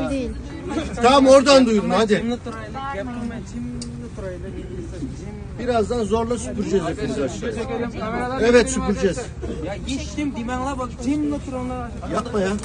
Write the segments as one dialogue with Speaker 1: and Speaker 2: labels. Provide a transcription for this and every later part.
Speaker 1: değil.
Speaker 2: Tamam oradan duyurun hadi. Birazdan zorla süpüreceğiz hepimiz aşağıya. Evet süpüreceğiz.
Speaker 3: Ya geçtim dimenle bak cimle turanlar.
Speaker 2: Yapma ya.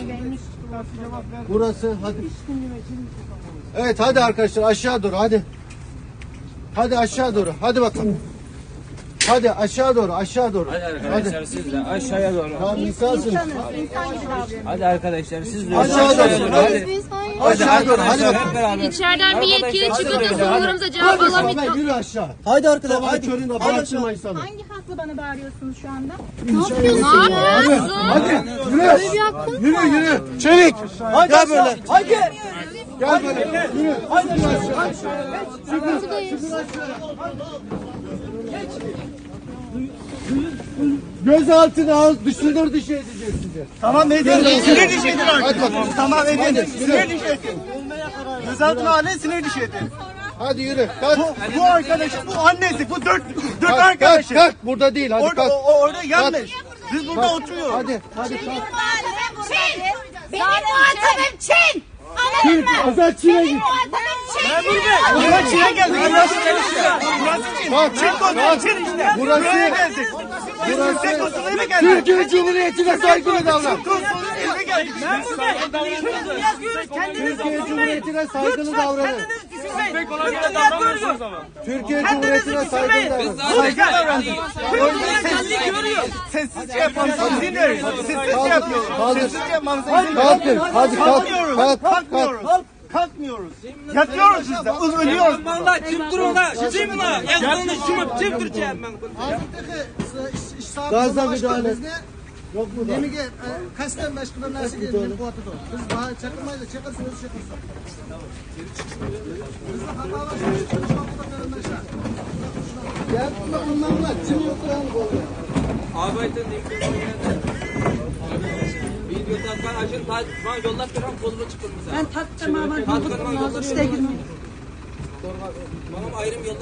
Speaker 2: Burası hadi. Evet hadi arkadaşlar aşağı doğru hadi. Hadi aşağı doğru. Hadi bakalım. Hadi aşağı doğru aşağı doğru.
Speaker 3: Hadi arkadaşlar siz de aşağıya doğru.
Speaker 2: Tamam insansınız.
Speaker 1: İnsan gibi davranın.
Speaker 3: Hadi arkadaşlar siz de
Speaker 2: Aşağı
Speaker 3: aşağıya
Speaker 2: doğru.
Speaker 3: doğru.
Speaker 2: Hadi.
Speaker 1: Biz hayır.
Speaker 2: Aşağı doğru hadi
Speaker 3: Arkadaşlar
Speaker 2: bakalım.
Speaker 3: hep beraber.
Speaker 4: İçeriden bir yetkili çıkıp da sorularımıza cevap
Speaker 2: Hadi Samet
Speaker 4: alamayız.
Speaker 2: yürü aşağı.
Speaker 5: Haydi arkadaşlar.
Speaker 2: Sabah
Speaker 5: Haydi.
Speaker 2: köründe bağırtırma insanı.
Speaker 6: Hangi hakla bana bağırıyorsunuz şu anda?
Speaker 1: Ne yapıyorsun ya?
Speaker 2: Hadi yürü. Yürü yürü. Çevik. Gel böyle.
Speaker 5: Haydi.
Speaker 2: Gel böyle. Yürü.
Speaker 5: Haydi.
Speaker 2: Gözaltına al, dışındır dışı edeceğiz sizi.
Speaker 5: Tamam edin. Sinir dışı edin
Speaker 2: Hadi
Speaker 5: artık.
Speaker 2: bakalım.
Speaker 5: Tamam edin.
Speaker 2: Hadi,
Speaker 5: Sinir
Speaker 2: yürü.
Speaker 5: dışı edin. Gözaltına alın, sinir dışı edin.
Speaker 2: Hadi yürü. Kalk.
Speaker 5: Bu arkadaş, bu annesi, bu dört
Speaker 2: Kalk,
Speaker 5: arkadaşı.
Speaker 2: kalk. Burada değil. Hadi
Speaker 5: Orada,
Speaker 2: kalk.
Speaker 5: orada yanlış. Biz burada
Speaker 2: Kalk.
Speaker 5: oturuyoruz.
Speaker 2: Hadi. Hadi kalk.
Speaker 6: Çin! Benim muhatabım Çin! Anladın mı?
Speaker 2: Azat Çin'e
Speaker 6: Benim
Speaker 2: git.
Speaker 6: muhatabım Çin!
Speaker 5: Buraya Çin'e geldik. Burası Çin.
Speaker 2: Kalk.
Speaker 5: Çin konusu Çin işte.
Speaker 2: Burası-
Speaker 5: Buraya geldik.
Speaker 2: Burası
Speaker 5: Türk konsuluna geldik.
Speaker 2: Türkiye Cumhuriyeti'ne saygılı davran.
Speaker 5: Türk konsuluna geldik.
Speaker 2: Türkiye Cumhuriyeti'ne saygılı davranın. Türkiye Cumhuriyeti'ne saygılı davranın.
Speaker 5: Saygı davranın. Sessizce yapmamıza izin verin. Sessizce yapıyoruz.
Speaker 2: Kaldır.
Speaker 5: Sessizce yapmamıza izin verin.
Speaker 2: Kalkın. Hadi kalk.
Speaker 5: Kalkmıyoruz.
Speaker 2: Kalk. Kalk.
Speaker 5: Kalkmıyoruz. Kalkmıyoruz. Yatıyoruz biz de. Ölüyoruz.
Speaker 3: Valla çim duruna. Cimle. Yazılını şumup çim duracağım ben.
Speaker 2: Gazla müdahale. Yok mu da?
Speaker 7: Demek ki kasten başkalarına nasıl gelin bu atıda. Biz daha çakılmayla çakarsınız çakılsa. Biz de hata var.
Speaker 2: Gel bunlarla. Çin yok lan bu.
Speaker 3: Arbeiten Video takkan açın. Bana yollar kıran kolunu çıkın bize. Ben taktım ama. Tatkın yollar. Bana ayrım yollar.